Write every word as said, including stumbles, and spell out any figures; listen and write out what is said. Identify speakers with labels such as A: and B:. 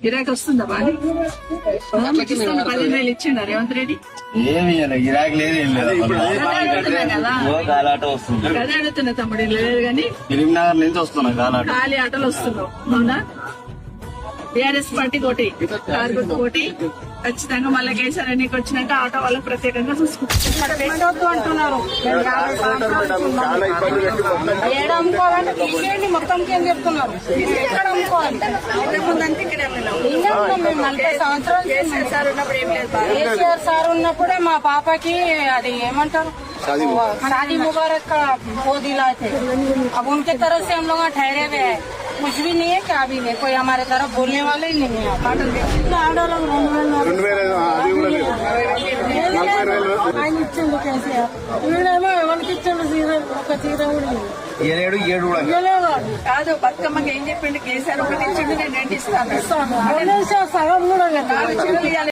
A: గిరాకీ వస్తుందా బాగా? పదిహేను వేలు ఇచ్చిండ రేవంత్ రెడ్డి.
B: ఏమి గిరాకీ లేదు, ఏం లేదు. కాలాట వస్తుంది.
A: అదే అడుగుతున్నా తమ్ముడు, లేదు కానీ
B: ఫిలింనగర్ నుంచి వస్తున్నా కాలాట.
A: ఖాళీ ఆటోలు వస్తున్నావు అవునా? టీఆర్ఎస్ పార్టీ కోటి, కారు గుర్తు కోటి ఖచ్చితంగా. మళ్ళీ కేసీఆర్ ఎన్నిక వచ్చినాక ఆటో వాళ్ళకి ప్రత్యేకంగా చూసుకుంటారు అంటున్నారు.
C: ఏడు అమ్ముకోవాలంటే తీసేయండి, మొత్తం ఏం చెప్తున్నారు. ఎక్కడ అమ్ముకోవాలి? నలభై సంవత్సరాలు
A: కేసీఆర్ ఉన్నప్పుడు ఏం లేదు.
C: కేసీఆర్ సార్ ఉన్నప్పుడే మా పాపకి అది ఏమంటారు शादी मुबारक का वो दिला थे। अब उनके तरफ से हम लोग ठहरे हुए हैं, कुछ भी नहीं है, क्या भी नहीं, कोई हमारे तरफ बोलने वाले ही नहीं है। ఆయన ఇచ్చిండు కేసీఆర్, వీడేమో ఎవరికి ఇచ్చిండు చీర, ఒక చీర కూడా
B: ఏడు ఏడు
A: కాదు. బతుకమ్మకి ఏం చెప్పిండు కేసీఆర్? ఒకటి ఇచ్చిండు, నేను రెండు ఇస్తాను.
C: సగం కూడా